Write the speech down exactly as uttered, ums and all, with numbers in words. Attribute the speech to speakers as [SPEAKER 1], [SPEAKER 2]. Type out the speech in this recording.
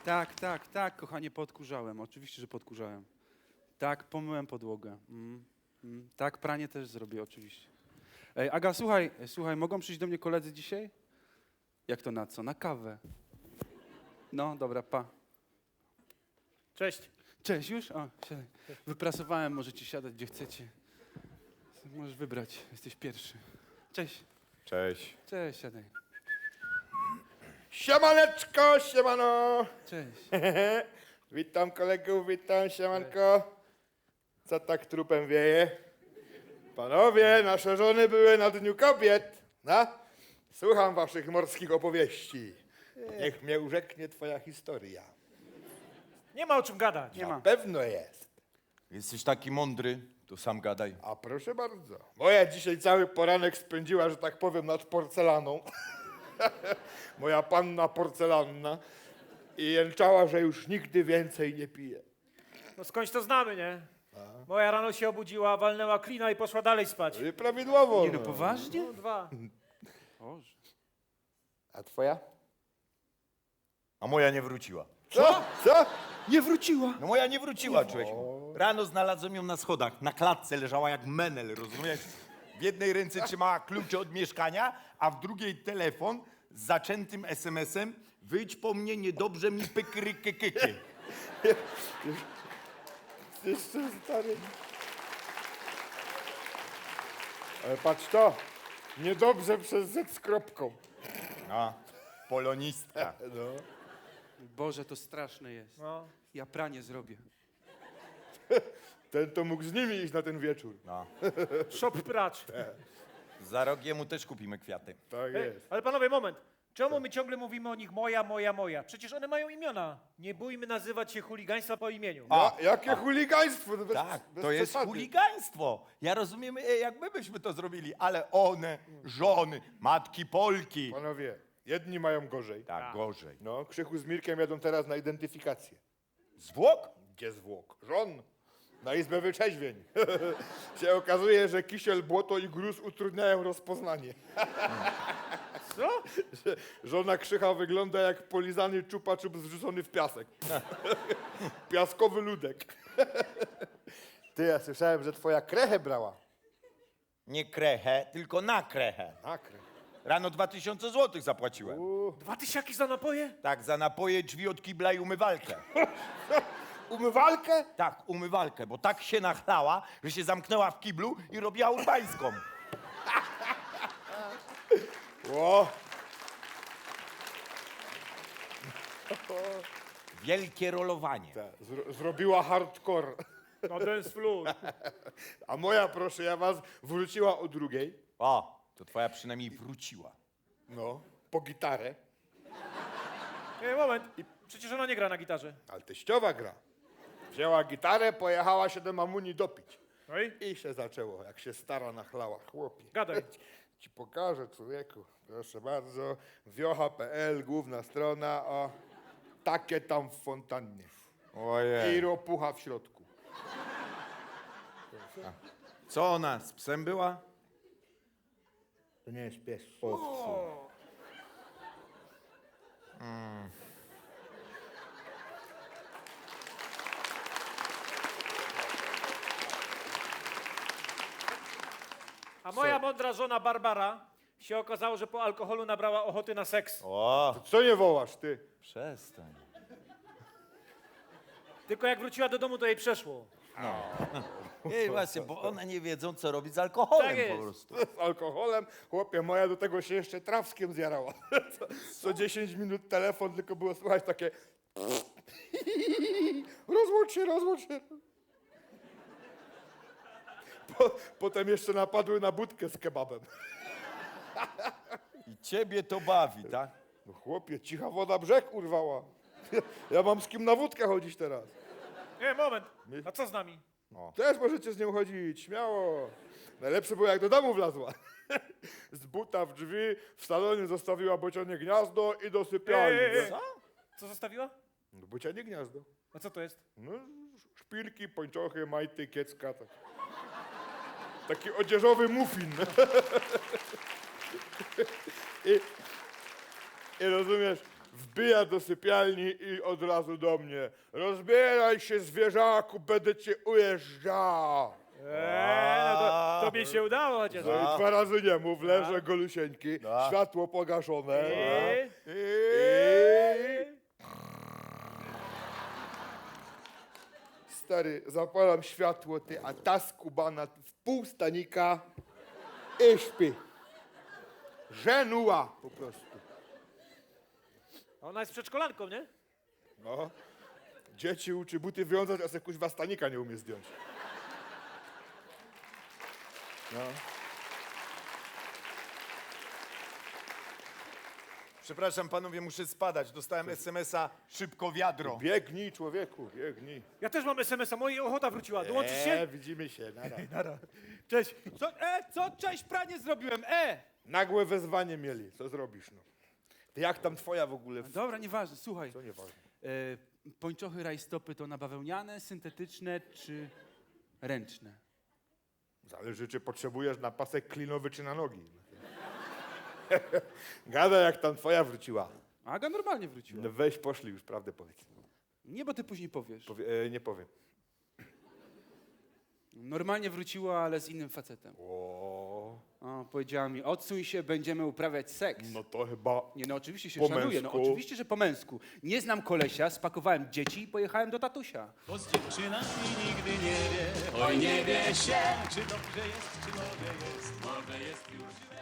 [SPEAKER 1] Tak, tak, tak, kochanie, podkurzałem. Oczywiście, że podkurzałem. Tak, pomyłem podłogę. Mm, mm, tak, pranie też zrobię, oczywiście. Ej, Aga, słuchaj, słuchaj, mogą przyjść do mnie koledzy dzisiaj? Jak to na co? Na kawę. No, dobra, pa.
[SPEAKER 2] Cześć.
[SPEAKER 1] Cześć, już? O, siadaj. Wyprasowałem, możecie siadać, gdzie chcecie. Możesz wybrać, jesteś pierwszy. Cześć.
[SPEAKER 3] Cześć.
[SPEAKER 1] Cześć, siadaj.
[SPEAKER 3] Siemaneczko, siemano!
[SPEAKER 1] Cześć.
[SPEAKER 3] Witam kolegów, witam, siemanko. Co tak trupem wieje? Panowie, nasze żony były na Dniu Kobiet. No? Słucham waszych morskich opowieści. Niech mnie urzeknie twoja historia.
[SPEAKER 2] Nie ma o czym gadać.
[SPEAKER 1] Nie ma.
[SPEAKER 3] Pewno jest.
[SPEAKER 4] Jesteś taki mądry, to sam gadaj.
[SPEAKER 3] A proszę bardzo. Moja dzisiaj cały poranek spędziła, że tak powiem, nad porcelaną. Moja panna porcelanna. I jęczała, że już nigdy więcej nie pije.
[SPEAKER 2] No skądś to znamy, nie? Moja rano się obudziła, walnęła klina i poszła dalej spać.
[SPEAKER 3] I prawidłowo.
[SPEAKER 1] Nie no, poważnie?
[SPEAKER 2] No, dwa.
[SPEAKER 1] Boże.
[SPEAKER 3] A twoja?
[SPEAKER 4] A moja nie wróciła.
[SPEAKER 3] Co? Co?
[SPEAKER 1] Nie wróciła.
[SPEAKER 4] No moja nie wróciła, człowieku. Rano znalazłem ją na schodach, na klatce leżała jak menel, rozumiesz? W jednej ręce trzymała klucze od mieszkania, a w drugiej telefon z zaczętym esemesem: wyjdź po mnie, niedobrze mi pykrykykyky.
[SPEAKER 3] Jeszcze stary. Ale patrz to. Niedobrze przez Z z kropką.
[SPEAKER 4] A, polonistka.
[SPEAKER 3] No.
[SPEAKER 1] Boże, to straszne jest.
[SPEAKER 2] No.
[SPEAKER 1] Ja pranie zrobię.
[SPEAKER 3] Ten to mógł z nimi iść na ten wieczór.
[SPEAKER 4] No.
[SPEAKER 2] Shop pracz.
[SPEAKER 4] Za rok jemu też kupimy kwiaty.
[SPEAKER 3] Tak
[SPEAKER 2] Ej,
[SPEAKER 3] jest.
[SPEAKER 2] ale panowie, moment. Czemu my ciągle mówimy o nich moja, moja, moja? Przecież one mają imiona. Nie bójmy nazywać się chuligaństwa po imieniu.
[SPEAKER 4] A,
[SPEAKER 3] Ja, jakie chuligaństwo. no Bez,
[SPEAKER 4] Tak,
[SPEAKER 3] bez
[SPEAKER 4] to jest
[SPEAKER 3] przesady.
[SPEAKER 4] chuligaństwo. Ja rozumiem, e, jak my byśmy to zrobili, ale one, żony, matki Polki.
[SPEAKER 3] Panowie, jedni mają gorzej.
[SPEAKER 4] Tak, gorzej.
[SPEAKER 3] No, Krzychu z Mirkiem jadą teraz na identyfikację.
[SPEAKER 4] Zwłok?
[SPEAKER 3] Gdzie zwłok? Żon. Na izbę wyczeźwień. się okazuje, że kisiel, błoto i gruz utrudniają rozpoznanie.
[SPEAKER 2] Co?
[SPEAKER 3] Że żona Krzycha wygląda jak polizany czupa-czup zrzucony w piasek. Piaskowy ludek. Ty, ja słyszałem, że twoja krechę brała.
[SPEAKER 4] Nie krechę, tylko na krechę.
[SPEAKER 3] Na krech.
[SPEAKER 4] Rano dwa tysiące złotych zapłaciłem.
[SPEAKER 2] Dwa tysiaki za napoje?
[SPEAKER 4] Tak, za napoje, drzwi od kibla i umywalkę.
[SPEAKER 3] Umywalkę?
[SPEAKER 4] Tak, umywalkę, bo tak się nachlała, że się zamknęła w kiblu i robiła urbańską.
[SPEAKER 3] Ło.
[SPEAKER 4] Wielkie rolowanie.
[SPEAKER 3] Ta, zro zrobiła hardcore.
[SPEAKER 2] No dance floor.
[SPEAKER 3] A moja, proszę ja was, wróciła o drugiej.
[SPEAKER 4] O, to twoja przynajmniej wróciła.
[SPEAKER 3] No, po gitarę.
[SPEAKER 2] Ej, moment. Przecież ona nie gra na gitarze.
[SPEAKER 3] Ale teściowa gra. Wzięła gitarę, pojechała się do mamuni dopić.
[SPEAKER 2] No i?
[SPEAKER 3] I się zaczęło, jak się stara nachlała. Chłopie.
[SPEAKER 2] Gadaj.
[SPEAKER 3] Ci pokażę, człowieku. Proszę bardzo. wiocha kropka pe el, główna strona, o. Takie tam w fontannie. I
[SPEAKER 4] Ojej.
[SPEAKER 3] ropucha w środku.
[SPEAKER 4] Co ona, z psem była?
[SPEAKER 3] To nie jest pies.
[SPEAKER 2] A moja mądra żona Barbara się okazało, że po alkoholu nabrała ochoty na seks.
[SPEAKER 4] O,
[SPEAKER 3] Co nie wołasz, ty?
[SPEAKER 4] przestań.
[SPEAKER 2] Tylko jak wróciła do domu, to jej przeszło.
[SPEAKER 4] Ej, właśnie, bo one nie wiedzą, co robić z alkoholem
[SPEAKER 2] Tak jest.
[SPEAKER 4] po prostu.
[SPEAKER 3] Z alkoholem? Chłopie, moja do tego się jeszcze trawskiem zjarała. Co, co dziesięć minut telefon, tylko było słychać takie... Rozłącz się, rozłącz się. Po, potem jeszcze napadły na budkę z kebabem.
[SPEAKER 4] I ciebie to bawi, tak?
[SPEAKER 3] No chłopie, cicha woda brzeg urwała. Ja, ja mam z kim na wódkę chodzić teraz.
[SPEAKER 2] Nie, moment. A co z nami?
[SPEAKER 3] Też możecie z nią chodzić, śmiało. Najlepsze było, jak do domu wlazła. Z buta w drzwi, w salonie zostawiła bocianie gniazdo i do sypialni.
[SPEAKER 2] Ej, ej, ej.
[SPEAKER 3] Co?
[SPEAKER 2] Co zostawiła?
[SPEAKER 3] No, bocianie gniazdo.
[SPEAKER 2] A co to jest?
[SPEAKER 3] No, szpilki, pończochy, majty, kiecka. Tak. Taki odzieżowy muffin. I, I rozumiesz, wbija do sypialni i od razu do mnie. Rozbieraj się, zwierzaku, będę cię ujeżdżał.
[SPEAKER 2] Eee, no to, tobie się udało chociaż.
[SPEAKER 3] No i dwa razy nie mów, leżę golusieńki,
[SPEAKER 4] No.
[SPEAKER 3] światło pogaszone.
[SPEAKER 2] Eee.
[SPEAKER 3] I... Stary, zapalam światło, ty, a ta skubana w pół stanika i śpi. Żenuła po prostu.
[SPEAKER 2] Ona jest przedszkolanką, nie?
[SPEAKER 3] No. Dzieci uczy buty wiązać, a se kuźwa stanika nie umie zdjąć. No.
[SPEAKER 4] Przepraszam panowie, muszę spadać. Dostałem es em es a, szybko wiadro.
[SPEAKER 3] Biegnij, człowieku, biegnij.
[SPEAKER 2] Ja też mam es em es a, moja ochota wróciła. Dołączysz się?
[SPEAKER 3] E, widzimy się, nara.
[SPEAKER 2] Cześć.
[SPEAKER 5] Co, e, co? Cześć, pranie zrobiłem, e!
[SPEAKER 3] Nagłe wezwanie mieli, co zrobisz, no. Ty jak tam twoja w ogóle?
[SPEAKER 1] Dobra, nieważne, słuchaj.
[SPEAKER 3] To nieważne.
[SPEAKER 1] E, pończochy rajstopy to nabawełniane, syntetyczne czy ręczne?
[SPEAKER 3] Zależy, czy potrzebujesz na pasek klinowy, czy na nogi. Gada, jak tam twoja wróciła.
[SPEAKER 1] Aga normalnie wróciła.
[SPEAKER 3] No weź, poszli już, prawdę powiedz.
[SPEAKER 1] Nie, bo ty później powiesz.
[SPEAKER 3] Powie, e, nie powiem.
[SPEAKER 1] Normalnie wróciła, ale z innym facetem.
[SPEAKER 3] O,
[SPEAKER 1] O, powiedziała mi, odsuń się, będziemy uprawiać seks.
[SPEAKER 3] no to chyba...
[SPEAKER 1] Nie, no oczywiście się
[SPEAKER 3] Po
[SPEAKER 1] szanuję, no
[SPEAKER 3] męsku.
[SPEAKER 1] oczywiście, że po męsku. Nie znam kolesia, spakowałem dzieci i pojechałem do tatusia.
[SPEAKER 6] Bo z dziewczynami nigdy nie wie, oj nie wie się, czy dobrze jest, czy może jest, może jest już źle.